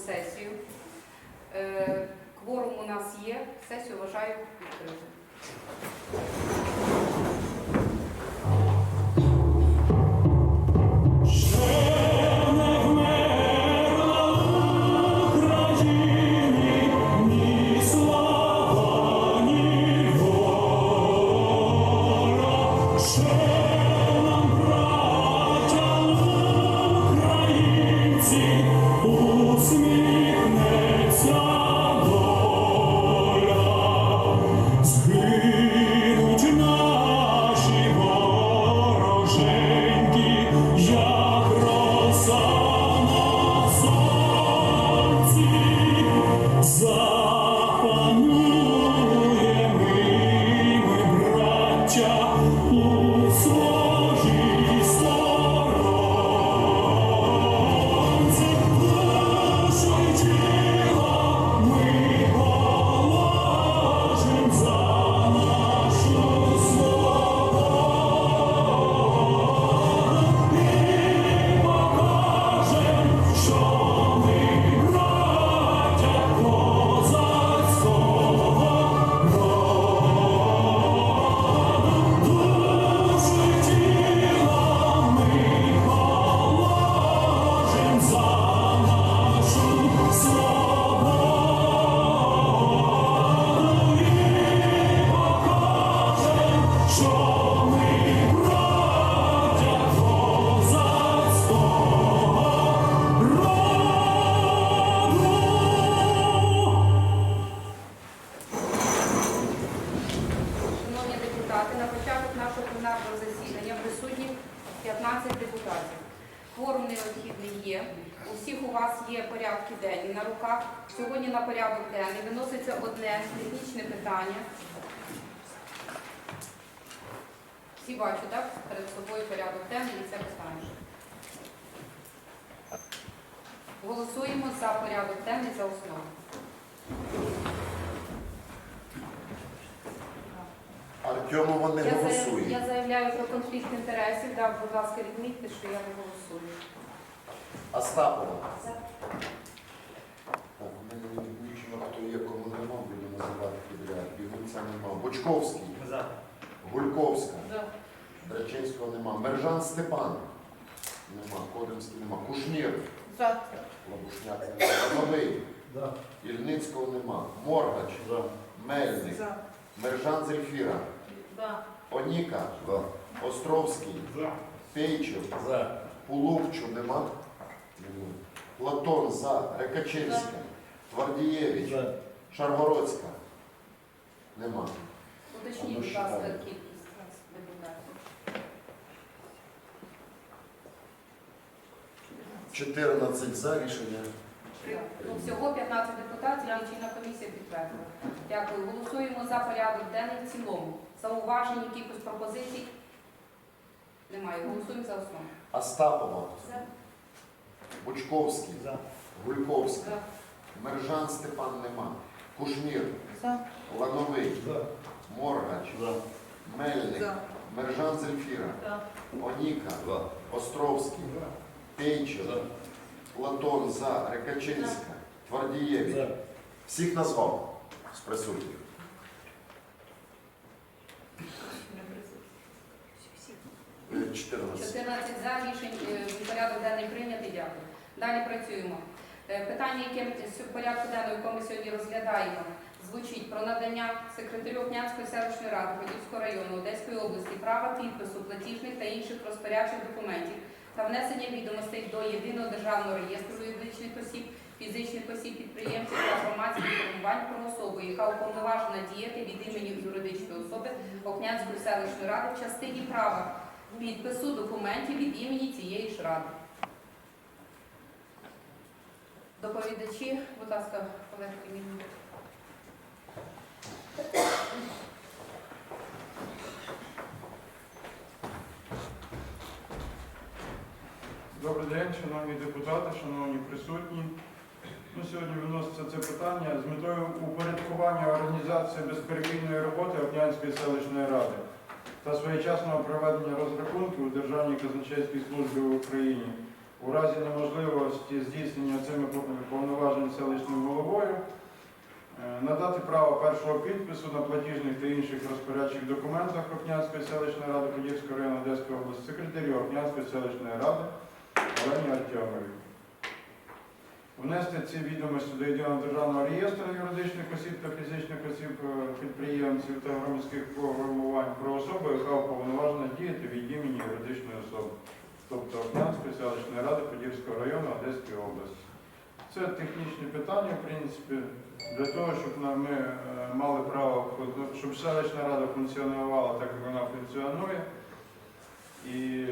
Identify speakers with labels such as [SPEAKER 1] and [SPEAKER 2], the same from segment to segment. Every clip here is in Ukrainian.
[SPEAKER 1] сесію. Кворум у нас є, сесію вважаю відкритою. На початок нашого пленарного засідання присутні 15 депутатів. Кворум необхідний є. У всіх у вас є порядки денні на руках. Сьогодні на порядок денний виноситься одне технічне питання. Всі бачать, так? Перед собою порядок денний і це питання. Голосуємо за порядок денний за основу.
[SPEAKER 2] Артемова не голосує.
[SPEAKER 1] Я заявляю про конфлікт інтересів. Да, будь ласка, відмітьте, що я не голосую.
[SPEAKER 2] Остапова. За. Так, у мене не відмічено, хто є, кому нема, буду називати підряд. Бігунця нема. Бочковський. За. Гульковська.
[SPEAKER 1] За.
[SPEAKER 2] Драчинського нема. Мержан Степан. Нема. Кодимський нема. Кушнір.
[SPEAKER 1] За.
[SPEAKER 2] Лабушняк нема. Новий.
[SPEAKER 3] За.
[SPEAKER 2] Ільницького нема. Моргач.
[SPEAKER 3] За.
[SPEAKER 2] Мельник.
[SPEAKER 1] За.
[SPEAKER 2] Мержан Зельфіра.
[SPEAKER 1] За.
[SPEAKER 2] Оніка.
[SPEAKER 3] За.
[SPEAKER 2] Островський.
[SPEAKER 3] За.
[SPEAKER 2] Пейчев.
[SPEAKER 3] За.
[SPEAKER 2] Пулувчу нема. Нема. Платон за. Рекачевська. Твардієвич.
[SPEAKER 3] За.
[SPEAKER 2] Шаргородська. Нема.
[SPEAKER 1] Уточніть, будь ласка, кількість депутатів.
[SPEAKER 2] 14 за рішення.
[SPEAKER 1] Ну, всього 15 депутатів, лічильна комісія підтвердила. Дякую. Голосуємо за порядок денний в цілому. Зауважень, якихось пропозицій? Немає. Голосуємо за основу.
[SPEAKER 2] Остапова.
[SPEAKER 1] За.
[SPEAKER 2] Бучковський.
[SPEAKER 3] За.
[SPEAKER 2] Гульковська.
[SPEAKER 1] За.
[SPEAKER 2] Мержан Степан нема. Кушнір.
[SPEAKER 1] За.
[SPEAKER 2] Лановий.
[SPEAKER 3] За.
[SPEAKER 2] Моргач.
[SPEAKER 3] За.
[SPEAKER 2] Мельник.
[SPEAKER 1] За.
[SPEAKER 2] Мержан Зельфіра.
[SPEAKER 1] За.
[SPEAKER 2] Оніка.
[SPEAKER 3] За.
[SPEAKER 2] Островський. Пейчев.
[SPEAKER 3] За.
[SPEAKER 2] Платон за. Рекачинська. Твардієвич.
[SPEAKER 3] За.
[SPEAKER 2] Всіх назвав з присутніх. Е, 14.
[SPEAKER 1] 14 за. Порядок денний прийнятий. Дякую. Далі працюємо. Питання, яке в порядку денному, яке ми сьогодні розглядаємо, звучить про надання секретарю Окнянської селищної ради Подільського району Одеської області права підпису платіжних та інших розпорядчих документів та внесення відомостей до Єдиного державного реєстру юридичних осіб, фізичних осіб, підприємців та громадських формувань про особу, яка уповноважена діяти від імені юридичної особи Окнянської селищної ради в частині права підпису документів від імені цієї ж ради. Доповідачі, будь ласка, Олег Кремінь.
[SPEAKER 4] Добрий день, шановні депутати, шановні присутні. Сьогодні виноситься це питання з метою упорядкування організації безперебійної роботи Окнянської селищної ради та своєчасного проведення розрахунків у Державній казначейській службі в Україні у разі неможливості здійснення цими повноваженнями запропоновані селищним головою. Надати право першого підпису на платіжних та інших розпорядчих документах Опнянської селищної ради Подільського району Одеської області секретарю Опнянської селищної ради Олені Артемовій. Внести ці відомості до єдиного державного реєстру юридичних осіб та фізичних осіб підприємців та громадських формувань про особу, яка уповноважена діяти від імені юридичної особи, тобто Опнянської селищної ради Подільського району Одеської області. Це технічні питання, в принципі, для того, щоб ми мали право, щоб селищна рада функціонувала так, як вона функціонує, і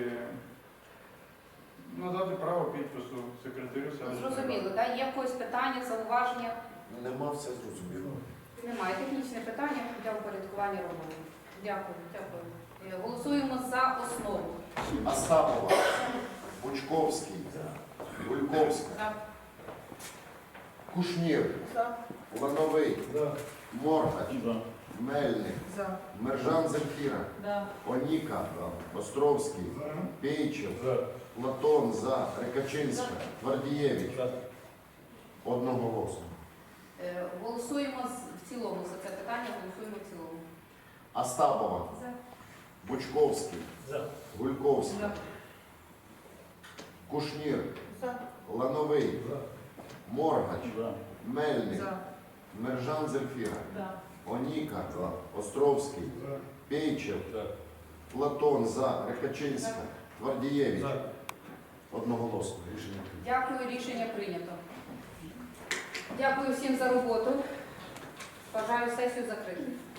[SPEAKER 4] надати право підпису секретарю селищної ради.
[SPEAKER 1] Зрозуміло, так? Є в когось питання, зауваження?
[SPEAKER 2] Нема, все зрозуміло.
[SPEAKER 1] Немає. Технічне питання для упорядкування роботи. Дякую, дякую. Голосуємо за основу.
[SPEAKER 2] Остапова. Бучковський. Гульковська. Кушнір. Лановий. Моргач. Мельник. Мержан Земфіра. Оніка. Островський. Пейчев. Платон. За. Рекачинська. Твардієвич. Одноголосно.
[SPEAKER 1] Голосуємо в цілому за це питання, голосуємо в цілому.
[SPEAKER 2] Остапова. Бучковський. Гульковська. Кушнір. Лановий. Моргач. Мельник. Мержан Земфіра. Оніка. Островський. Пейчев. Платон. За. Рекачинська. Твардієвич. Одноголосно. Рішення прийнято.
[SPEAKER 1] Дякую, рішення прийнято. Дякую всім за роботу. Бажаю сесію закрити.